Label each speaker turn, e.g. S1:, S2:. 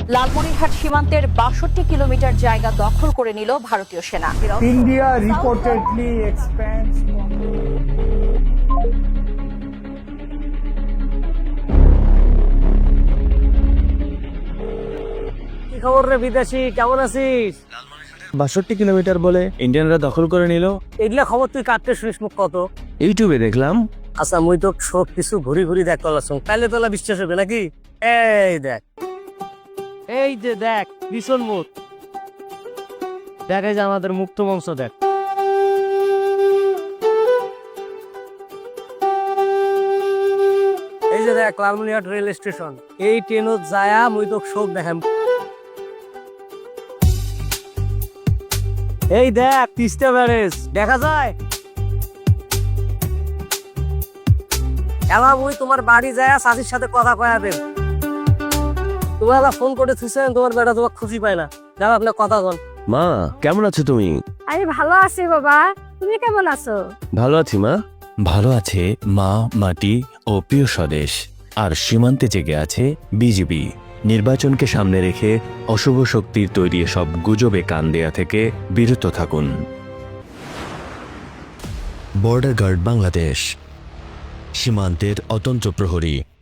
S1: লালমনিরহাট সীমান্তের ৬২ কিলোমিটার জায়গা দখল করে নিল ভারতীয় সেনা।
S2: India reportedly expands.
S3: কি খবর রে বিদেশি, কেমন আছিস?
S4: ৬২ কিলোমিটার বলে ইন্ডিয়ানরা দখল করে নিল।
S3: এগুলা খবর তুই কাটতে শুনিস মুখ কত?
S4: ইউটিউবে দেখলাম।
S3: আচ্ছা মুই তো সব কিছু ঘুরি ঘুরি দেখ করলাম, তাইলে তোলা বিশ্বাস হবে নাকি? এই যে দেখ ভীষণ মুখ দেখ, এই যে আমাদের মুক্ত মঞ্চ দেখ। এই যে দেখ লালমনিরহাট রেল স্টেশন, এই ট্রেনত যায়া মুই তো সব দেখাম। এই দেখ তিস্তা ব্যারেজ দেখা যায়। এলা মুই তোমার বাড়ি যায় চাষির সাথে কথা কয়া দেব। তোমার ফোন করে থুইছেন, তোমার বেটা তোমার খুশি পায় না। যাও আপনার কথা বল।
S4: মা কেমন আছো তুমি?
S5: আমি ভালো আছি বাবা, তুমি কেমন আছো?
S4: ভালো আছি মা। ভালো আছে মা, মাটি ও প্রিয় স্বদেশ। আর সীমান্তে জেগে আছে বিজিবি। নির্বাচনকে সামনে রেখে অশুভ শক্তির তৈরি সব গুজবে কান দেয়া থেকে বিরত থাকুন। বর্ডার গার্ড বাংলাদেশ, সীমান্তের অতন্ত্র প্রহরী।